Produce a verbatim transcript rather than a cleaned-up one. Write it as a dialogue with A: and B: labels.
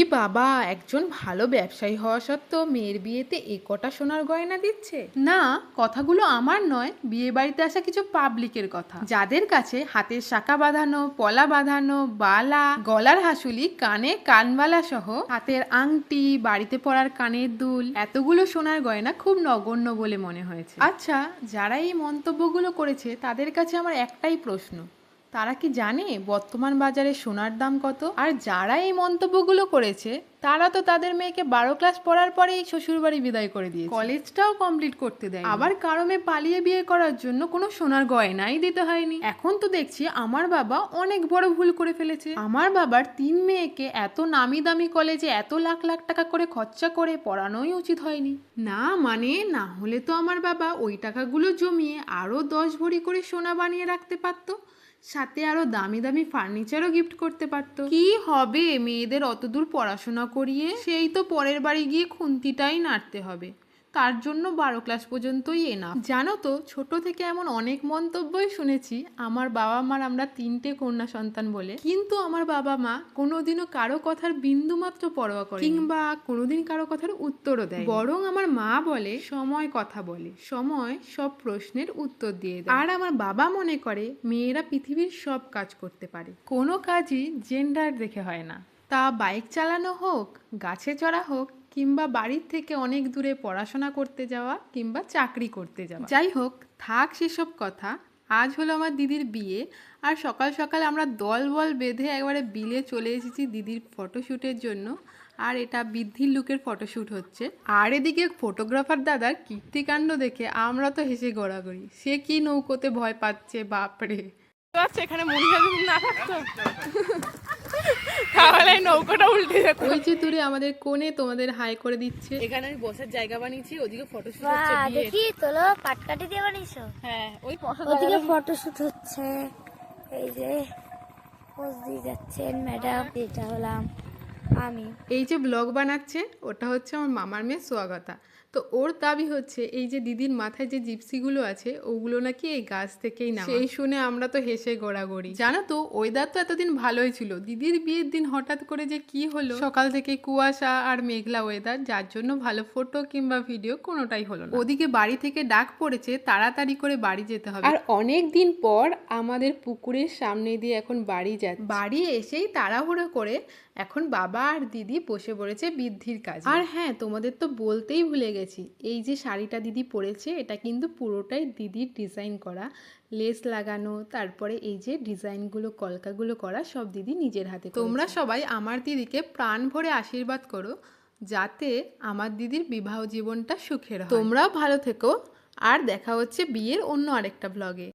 A: বাবা, একজন ভালো ব্যবসায়ী হওয়া সত্ত্বেও মেয়ের বিয়েতে এ কটা সোনার গয়না দিচ্ছে? না, কথাগুলো আমার নয়, বিয়ে বাড়িতে আসা কিছু পাবলিকের কথা, যাদের কাছে হাতের শাঁখা বাঁধানো, পলা বাঁধানো, বালা, গলার হাসুলি, কানে কানবালা সহ হাতের আংটি, বাড়িতে পরার কানের দুল, এতগুলো সোনার গয়না খুব নগণ্য বলে মনে হয়েছে। আচ্ছা, যারা এই মন্তব্যগুলো করেছে তাদের কাছে আমার একটাই প্রশ্ন, তারা কি জানে বর্তমান বাজারে সোনার দাম কত? আর যারা এই মন্তব্যগুলো করেছে তারা তো তাদের মেয়েকে বারো ক্লাস পড়ার পরেই শ্বশুরবাড়ি বিদায় করে দিয়েছে, কলেজটাও কমপ্লিট করতে দেয়। আবার কারো মেয়ে পালিয়ে বিয়ে করার জন্য কোনো সোনার গয়নাই দিতে হয়নি। এখন তো দেখছি আমার বাবা অনেক বড় ভুল করে ফেলেছে। আমার বাবার তিন মেয়েকে এত নামি দামি কলেজে এত লাখ লাখ টাকা করে খরচা করে পড়ানোই উচিত হয়নি। না মানে না হলে তো আমার বাবা ওই টাকাগুলো জমিয়ে আরো দশ ভরি করে সোনা বানিয়ে রাখতে পারতো, সাথে আরো দামি দামি ফার্নিচারও গিফট করতে পারতো। কি হবে মেয়েদের অতদূর পড়াশোনা করিয়ে? সেই তো পরের বাড়ি গিয়ে খুন্তিটাই নাড়তে হবে, তার জন্য বারো ক্লাস পর্যন্তই এনাফ। জানো তো, ছোট থেকে এমন অনেক মন্তব্যই শুনেছি আমার বাবা মার আমরা তিনটে কন্যা সন্তান বলে, কিন্তু আমার বাবা মা কোনোদিনও কারো কথার বিন্দু মাত্র পরোয়া করে কিংবা কোনোদিন কারো কথার উত্তরও দেয়। বরং আমার মা বলে সময় কথা বলে, সময় সব প্রশ্নের উত্তর দিয়ে দেয়। আর আমার বাবা মনে করে মেয়েরা পৃথিবীর সব কাজ করতে পারে, কোনো কাজই জেন্ডার দেখে হয় না। তা বাইক চালানো হোক, গাছে চড়া হোক, কিংবা বাড়ির থেকে অনেক দূরে পড়াশোনা করতে যাওয়া কিংবা চাকরি করতে যাওয়া, যাই হোক থাক সেসব কথা। আজ হলো আমার দিদির বিয়ে, আর সকাল সকাল আমরা দল বল বেঁধে একবারে বিলে চলে এসেছি দিদির ফটোশ্যুটের জন্য। আর এটা বৃদ্ধির লুকের ফটোশ্যুট হচ্ছে। আর এদিকে ফটোগ্রাফার দাদার কীর্তিকাণ্ড দেখে আমরা তো হেসে গড়াগড়ি। সে কি নৌকোতে ভয় পাচ্ছে, বাপরে। আচ্ছা, এখানে মনিকা যদি না থাকতো তাহলে নৌকাটা উল্টে যেত। ওই যে দূরে আমাদের কোণে তোমাদের হাই করে দিচ্ছে। এখানে আমি বসার জায়গা বানিয়েছি, ওদিকে ফটোশুট হচ্ছে।
B: দেখি তোলো পাটকাঠি দিয়ে বানিয়েছো?
A: হ্যাঁ, ওই
B: ওদিকে ফটোশুট হচ্ছে। এই যে পোজ দিয়ে যাচ্ছেন ম্যাডাম, এটা হলাম আমি।
A: এই যে ব্লগ বানাচ্ছে ওটা হচ্ছে আমার মামার মেয়ে সোয়াগতা। তো ওর দাবি হচ্ছে এই যে দিদির মাথায় যে জিপসিগুলো আছে ওগুলো নাকি এই গাছ থেকেই না। সেই শুনে আমরা তো হেসে গোড়াগড়ি। জানো তো, ওয়েদার তো এতদিন ভালোই ছিল, দিদির বিয়ের দিন হঠাৎ করে যে কি হলো, সকাল থেকে কুয়াশা আর মেঘলা ওয়েদার, যার জন্য ভালো ফটো কিংবা ভিডিও কোনোটাই হলো না। ওদিকে বাড়ি থেকে ডাক পড়েছে তাড়াতাড়ি করে বাড়ি যেতে হবে, আর অনেক দিন পর আমাদের পুকুরের সামনে দিয়ে এখন বাড়ি যাচ্ছে। বাড়ি এসেই তাড়াহুড়ো করে এখন বাবা আর দিদি বসে পড়েছে বৃদ্ধির কাজে। আর হ্যাঁ, তোমাদের তো বলতেই ভুলে গেছি, এই যে শাড়িটা দিদি পরেছে এটা কিন্তু পুরোটাই দিদির ডিজাইন করা, লেস লাগানো, তারপরে এই যে ডিজাইনগুলো কলকাগুলো করা সব দিদি নিজের হাতে। তোমরা সবাই আমার দিদিকে প্রাণ ভরে আশীর্বাদ করো যাতে আমার দিদির বিবাহ জীবনটা সুখের হয়। তোমরাও ভালো থেকো, আর দেখা হচ্ছে বিয়ের অন্য আরেকটা ব্লগে।